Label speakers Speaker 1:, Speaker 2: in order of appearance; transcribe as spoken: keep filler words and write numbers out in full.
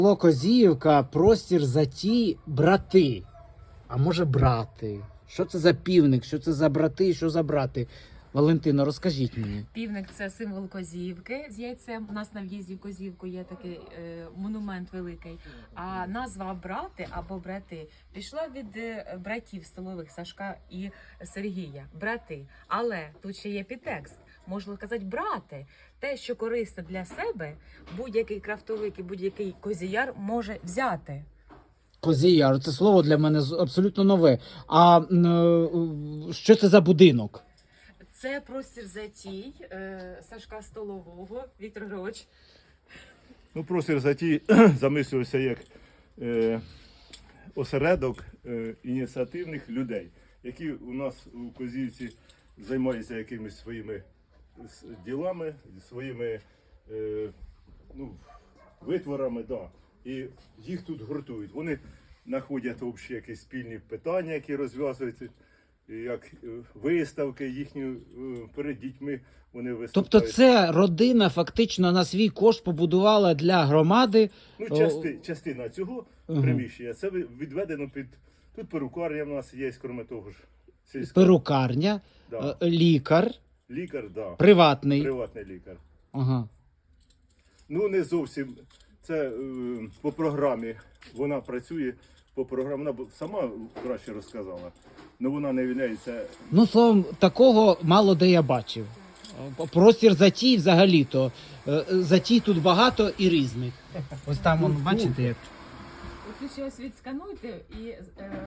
Speaker 1: Село Козіївка, простір затій, брати. А може брати? Що це за півник? Що це за брати? Що за брати? Валентино, розкажіть мені.
Speaker 2: Півник – це символ Козіївки з яйцем. У нас на в'їзді в Козіївку є такий е, монумент великий. А назва брати або брати пішла від е, братів столових Сашка і Сергія. Брати. Але тут ще є підтекст. Можна сказати брати. Те, що корисне для себе, будь-який крафтовик і будь-який козіяр може взяти.
Speaker 1: Козіяр, це слово для мене з- абсолютно нове. А м, е, що це за будинок?
Speaker 2: Це простір затій е, Сашка Столового. Віктор Григорович.
Speaker 3: Ну, простір затій замислювався як е, осередок е, ініціативних людей, які у нас у Козівці займаються якимись своїми с- ділами, своїми е, ну, витворами, да. І їх тут гуртують. Вони знаходять общі якісь спільні питання, які розв'язуються, як е, виставки їхні е, перед дітьми вони виступають.
Speaker 1: Тобто це родина фактично на свій кошт побудувала для громади.
Speaker 3: Ну,
Speaker 1: О,
Speaker 3: части, частина цього
Speaker 1: Мгм.
Speaker 3: приміщення, це ви- відведено під... Тут перукарня в нас є, крім того ж. Сільська.
Speaker 1: перукарня,
Speaker 3: Да.
Speaker 1: е, лікар,
Speaker 3: Лікар, да.
Speaker 1: приватний.
Speaker 3: Приватний лікар.
Speaker 1: Ага.
Speaker 3: Ну, не зовсім. Це е, по програмі. Вона працює по програмі. Вона б сама краще розказала. Але вона не являється.
Speaker 1: Ну, словом, такого мало де я бачив. Е, Простір затій взагалі-то. е, Затій тут багато і різних. Ось там, вон, бачите, як.
Speaker 2: От ви ще ось відскануйте і е,